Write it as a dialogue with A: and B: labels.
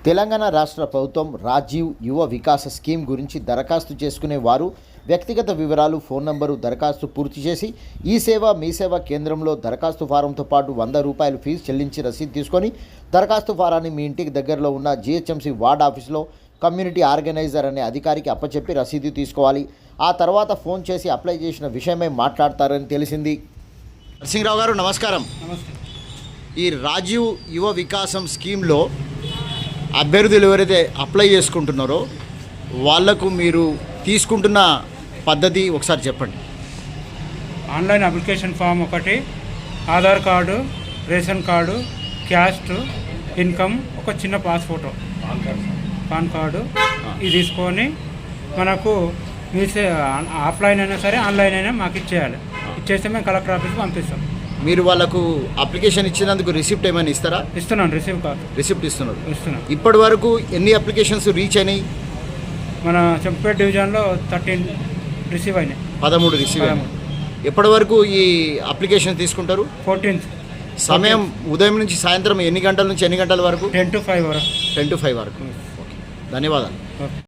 A: తెలంగాణ రాష్ట్ర ప్రభుత్వం రాజీవ్ యువ వికాస స్కీమ్ గురించి దరఖాస్తు చేసుకునే వారు వ్యక్తిగత వివరాలు, ఫోన్ నంబరు, దరఖాస్తు పూర్తి చేసి ఈ సేవ మీ సేవ కేంద్రంలో దరఖాస్తు ఫారంతో పాటు ₹100 ఫీజు చెల్లించి రసీదు తీసుకొని దరఖాస్తు ఫారాన్ని మీ ఇంటికి దగ్గరలో ఉన్న GHMC వార్డ్ ఆఫీసులో కమ్యూనిటీ ఆర్గనైజర్ అనే అధికారికి అప్పచెప్పి రసీదు తీసుకోవాలి. ఆ తర్వాత ఫోన్ చేసి అప్లై చేసిన విషయమై మాట్లాడతారని తెలిసింది. నరసింహరావు గారు నమస్కారం. ఈ రాజీవ్ యువ వికాసం స్కీమ్లో అభ్యర్థులు ఎవరైతే అప్లై చేసుకుంటున్నారో వాళ్లకు మీరు తీసుకుంటున్న పద్ధతి ఒకసారి చెప్పండి.
B: ఆన్లైన్ అప్లికేషన్ ఫామ్ ఒకటి, Aadhaar card, ration card, caste, income, ఒక చిన్న పాస్ ఫోటో, పాన్ కార్డు ఇది తీసుకొని మనకు మీసే ఆఫ్లైన్ అయినా సరే ఆన్లైన్ అయినా మాకు ఇచ్చేయాలి. ఇచ్చేస్తే మేము కలెక్టర్ ఆఫీస్కి పంపిస్తాం.
A: మీరు వాళ్ళకు అప్లికేషన్ ఇచ్చినందుకు రిసిప్ట్ ఏమైనా ఇస్తారా?
B: ఇస్తున్నాను, రిసిప్ట్
A: ఇస్తున్నారు.
B: ఇప్పటి
A: వరకు ఎన్ని అప్లికేషన్స్ రీచ్ అయినాయి?
B: మన చెంపేట డివిజన్లో 13 రిసీవ్ అయినాయి.
A: 13 రిసీవ్ అయినాయి. ఎప్పటి వరకు ఈ అప్లికేషన్ తీసుకుంటారు?
B: 14th.
A: సమయం ఉదయం నుంచి సాయంత్రం ఎన్ని గంటల నుంచి ఎన్ని గంటల వరకు?
B: 10 to 5 వరకు.
A: 10 to 5 వరకు. ధన్యవాదాలు.